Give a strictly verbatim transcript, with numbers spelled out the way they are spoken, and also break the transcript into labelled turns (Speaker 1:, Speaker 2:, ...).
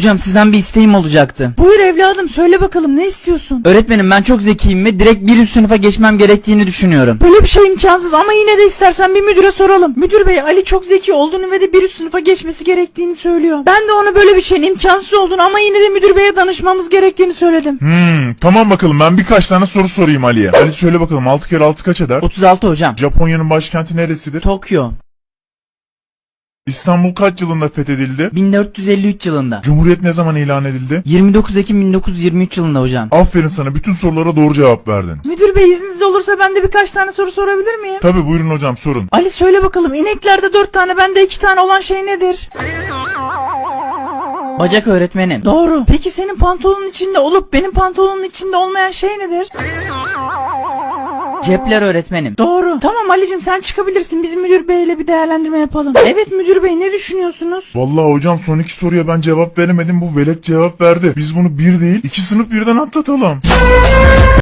Speaker 1: Hocam sizden bir isteğim olacaktı.
Speaker 2: Buyur evladım, söyle bakalım, ne istiyorsun?
Speaker 1: Öğretmenim ben çok zekiyim ve direkt bir üst sınıfa geçmem gerektiğini düşünüyorum.
Speaker 2: Böyle bir şey imkansız ama yine de istersen bir müdüre soralım. Müdür bey, Ali çok zeki olduğunu ve de bir üst sınıfa geçmesi gerektiğini söylüyor. Ben de ona böyle bir şeyin imkansız olduğunu ama yine de müdür beye danışmamız gerektiğini söyledim.
Speaker 3: Hmm, tamam bakalım, ben birkaç tane soru sorayım Ali'ye. Ali söyle bakalım, altı kere altı kaç eder?
Speaker 1: otuz altı hocam.
Speaker 3: Japonya'nın başkenti neresidir?
Speaker 1: Tokyo.
Speaker 3: İstanbul kaç yılında fethedildi?
Speaker 1: bin dört yüz elli üç yılında.
Speaker 3: Cumhuriyet ne zaman ilan edildi?
Speaker 1: yirmi dokuz Ekim bin dokuz yüz yirmi üç yılında hocam.
Speaker 3: Aferin sana, bütün sorulara doğru cevap verdin.
Speaker 2: Müdür bey, izniniz olursa ben de birkaç tane soru sorabilir miyim?
Speaker 3: Tabi, buyurun hocam, sorun.
Speaker 2: Ali söyle bakalım, ineklerde dört tane bende iki tane olan şey nedir?
Speaker 1: Bacak öğretmenim.
Speaker 2: Doğru. Peki senin pantolonun içinde olup benim pantolonumun içinde olmayan şey nedir?
Speaker 1: Cepler öğretmenim.
Speaker 2: Doğru. Tamam Ali'cim, sen çıkabilirsin, biz müdür beyle bir değerlendirme yapalım. Evet müdür bey, ne düşünüyorsunuz?
Speaker 3: Vallahi hocam, son iki soruya ben cevap veremedim, bu velet cevap verdi. Biz bunu bir değil iki sınıf birden atlatalım.